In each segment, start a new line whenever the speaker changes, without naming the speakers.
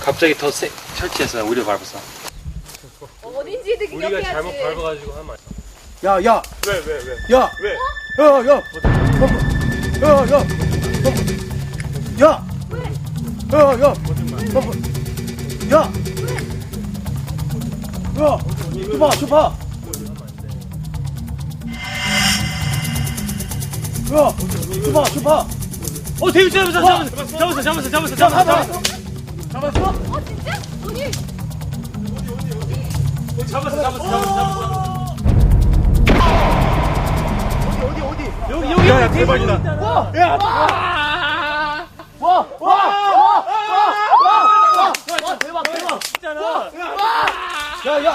갑자기 더 설치해서 우리 밟았어.
어딘지 되게
우리가
기억해야지.
잘못 밟아가지고 하면.
야, 야,
왜?
야,
왜?
야, 야, 야, 줘봐. 줘봐.
대규 잡았어.
진짜? 어디?
잡았어.
어디?
여기
야, 대박이다. 대박.
있잖아.
야.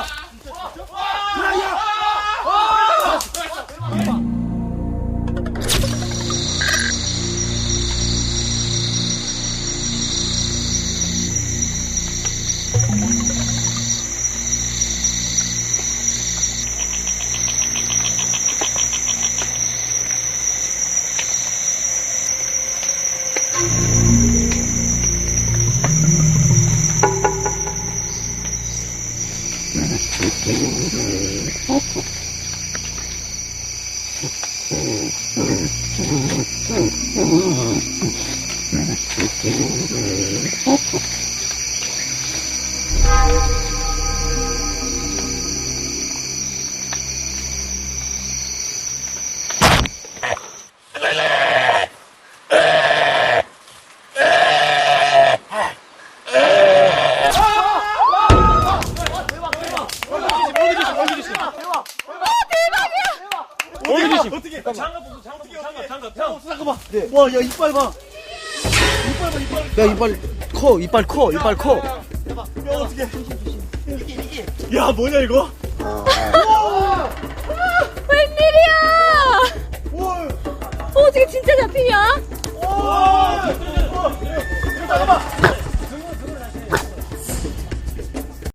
어떻게? 장갑.
잠깐만. 와, 야, 이빨 봐. 야, 이빨 커.
야, 어떻게? 야, 뭐냐 이거?
웬일이야? 어떻게 진짜 잡히냐?